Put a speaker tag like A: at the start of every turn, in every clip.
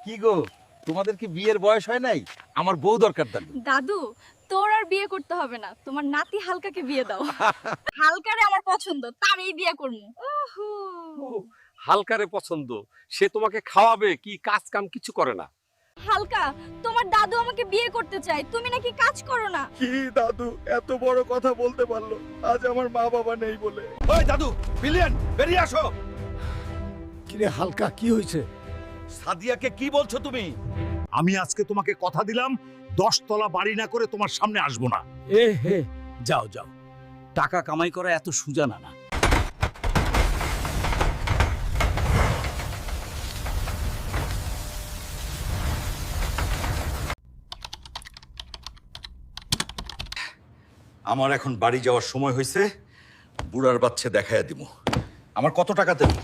A: কি গো, তোমাদের কি বিয়ের বয়স হয় নাই? আমার বউ দরকার।
B: দাদু, তোর আর বিয়ে করতে হবে না, তোমার নাতি হালকাকে বিয়ে দাও। হালকারে আমার পছন্দ, তারই বিয়ে করবো। ওহো,
C: হালকারে পছন্দ, সে তোমাকে খাওয়াবে, কি কাজ কাম কিছু করে না।
B: হালকা, তোমার দাদু আমাকে বিয়ে করতে চায়, তুমি নাকি কাজ করো না।
A: কি দাদু এত বড় কথা বলতে পারলো আজ আমার মা বাবা নেই বলে? ওই দাদু, বিলিয়ন বেরিয়ে আসো।
D: কিরে হালকা, কি হয়েছে?
A: সাদিয়াকে কি বলছো তুমি?
D: আমি আজকে তোমাকে কথা দিলাম 10 তলা বাড়ি না করে তোমার সামনে আসবো না।
E: এ হে, যাও যাও, টাকা কামাই করা এত সোজা না।
A: আমার এখন বাড়ি যাওয়ার সময় হয়েছে। বুড়ার বাচ্চা দেখাইয়া দিব। আমার কত টাকা দেবে?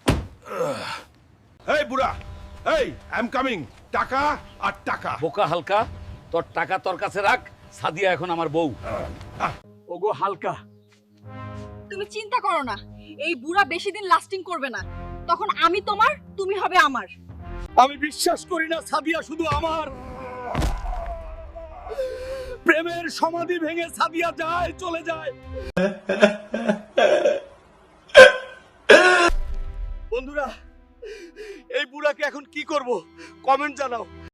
F: এই বুড়া, এই আই এম কামিং। টাকা আর টাকা।
E: বোকা হালকা, তোর টাকা তোর কাছে রাখ, সাদিয়া এখন আমার বউ। ওগো হালকা,
B: তুমি চিন্তা করো না, এই বুড়া বেশি দিন লাস্টিং করবে না, তখন আমি তোমার, তুমি হবে আমার।
E: আমি বিশ্বাস করি না সাদিয়া শুধু আমার। প্রেমের সমাধি ভেঙে সাদিয়া যায়, চলে যায়।
C: বন্ধুরা, এই বুড়াকে এখন কি করব? কমেন্ট জানাও।